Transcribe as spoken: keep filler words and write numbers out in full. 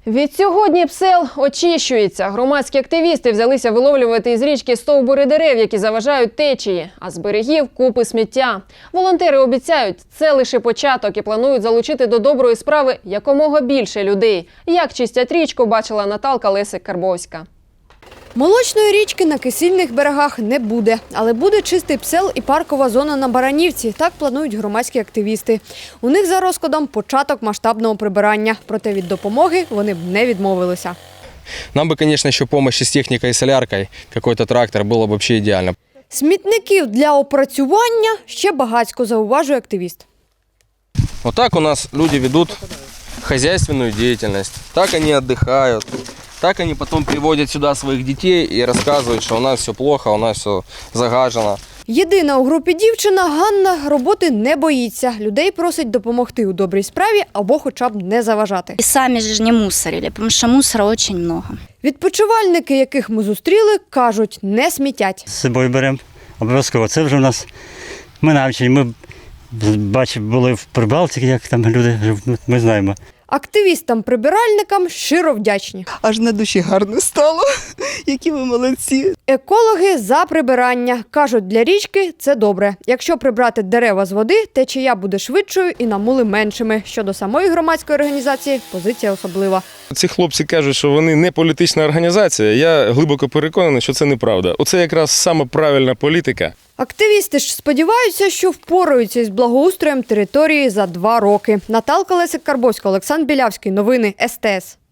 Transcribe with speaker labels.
Speaker 1: Відсьогодні Псел очищується. Громадські активісти взялися виловлювати із річки стовбури дерев, які заважають течії, а з берегів – купи сміття. Волонтери обіцяють, це лише початок і планують залучити до доброї справи якомога більше людей. Як чистять річку, бачила Наталка Лесик-Карбовська.
Speaker 2: Молочної річки на кисельних берегах не буде, але буде чистий Псел і паркова зона на Баранівці. Так планують громадські активісти. У них за розкладом початок масштабного прибирання. Проте від допомоги вони б не відмовилися.
Speaker 3: Нам бы, конечно, еще помощь с техникой и соляркой, какой-то трактор, было бы вообще идеально.
Speaker 2: Смітників для опрацювання ще багатько, зауважує активіст.
Speaker 3: Вот так у нас люди ведут хозяйственную деятельность, так они отдыхают, так они потом приводят сюда своих детей и рассказывают, что у нас все плохо, у нас все загажено.
Speaker 2: Єдина у групі дівчина Ганна роботи не боїться. Людей просить допомогти у добрій справі або хоча б не заважати.
Speaker 4: И сами же не мусорили, потому что мусора очень много.
Speaker 2: Відпочивальники, яких ми зустріли, кажуть, не смітять.
Speaker 5: З собою беремо обов'язково. Це вже у нас ми навчені. Ми бачимо, були в Прибалтиці, як там люди живуть, ми знаємо.
Speaker 2: Активістам-прибиральникам щиро вдячні.
Speaker 6: Аж на душі гарно стало. Які ви молодці.
Speaker 2: Екологи за прибирання. Кажуть, для річки це добре. Якщо прибрати дерева з води, течія буде швидшою і намули меншими. Щодо самої громадської організації, позиція особлива.
Speaker 7: Ці хлопці кажуть, що вони не політична організація. Я глибоко переконаний, що це неправда. Оце якраз саме правильна політика.
Speaker 2: Активісти ж сподіваються, що впораються із благоустроєм території за два роки. Наталка Лесик-Карбовська, Олександр Білявський. Новини ес те ес.